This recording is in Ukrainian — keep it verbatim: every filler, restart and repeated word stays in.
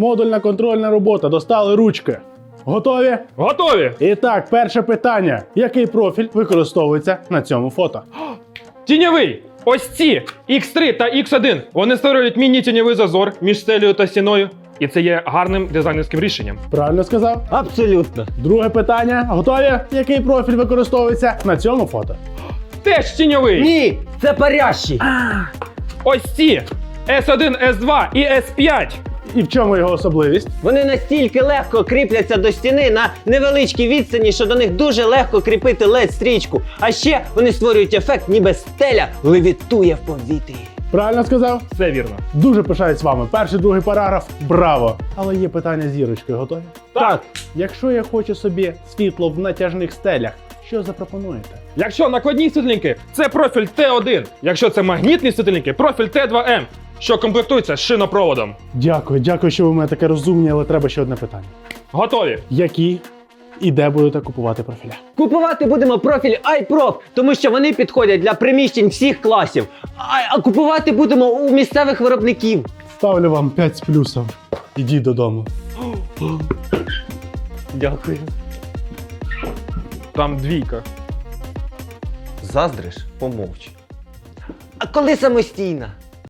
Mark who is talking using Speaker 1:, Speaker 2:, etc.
Speaker 1: Модульна контрольна робота. Достали ручки. Готові?
Speaker 2: Готові!
Speaker 1: І так, перше питання. Який профіль використовується на цьому фото?
Speaker 2: Тіньовий! Ось ці ікс три та ікс один. Вони створюють міні-тіньовий зазор між стелею та стіною. І це є гарним дизайнерським рішенням.
Speaker 1: Правильно сказав?
Speaker 3: Абсолютно.
Speaker 1: Друге питання. Готові? Який профіль використовується на цьому фото?
Speaker 2: Теж тіньовий!
Speaker 3: Ні, це парящий.
Speaker 2: Ось ці ес один, ес два і ес п'ять.
Speaker 1: І в чому його особливість?
Speaker 3: Вони настільки легко кріпляться до стіни на невеличкій відстані, що до них дуже легко кріпити лед-стрічку. А ще вони створюють ефект, ніби стеля левітує в повітрі.
Speaker 1: Правильно сказав?
Speaker 2: Все вірно.
Speaker 1: Дуже пишаюсь вами. Перший, другий параграф. Браво! Але є питання з зірочкою. Готові?
Speaker 2: Так.
Speaker 1: Якщо я хочу собі світло в натяжних стелях, що запропонуєте?
Speaker 2: Якщо накладні світильники, це профіль Т один. Якщо це магнітні світильники, профіль Т два М, що комплектується з шинопроводом.
Speaker 1: Дякую, дякую, що ви в мене таке розумні, але треба ще одне питання.
Speaker 2: Готові?
Speaker 1: Які і де будете купувати профіля?
Speaker 3: Купувати будемо профіль iProf, тому що вони підходять для приміщень всіх класів. А, а купувати будемо у місцевих виробників.
Speaker 1: Ставлю вам п'ять з плюсом. Ідіть додому.
Speaker 3: Дякую.
Speaker 2: Там двійка.
Speaker 3: Заздриш? Помовч. А коли самостійна?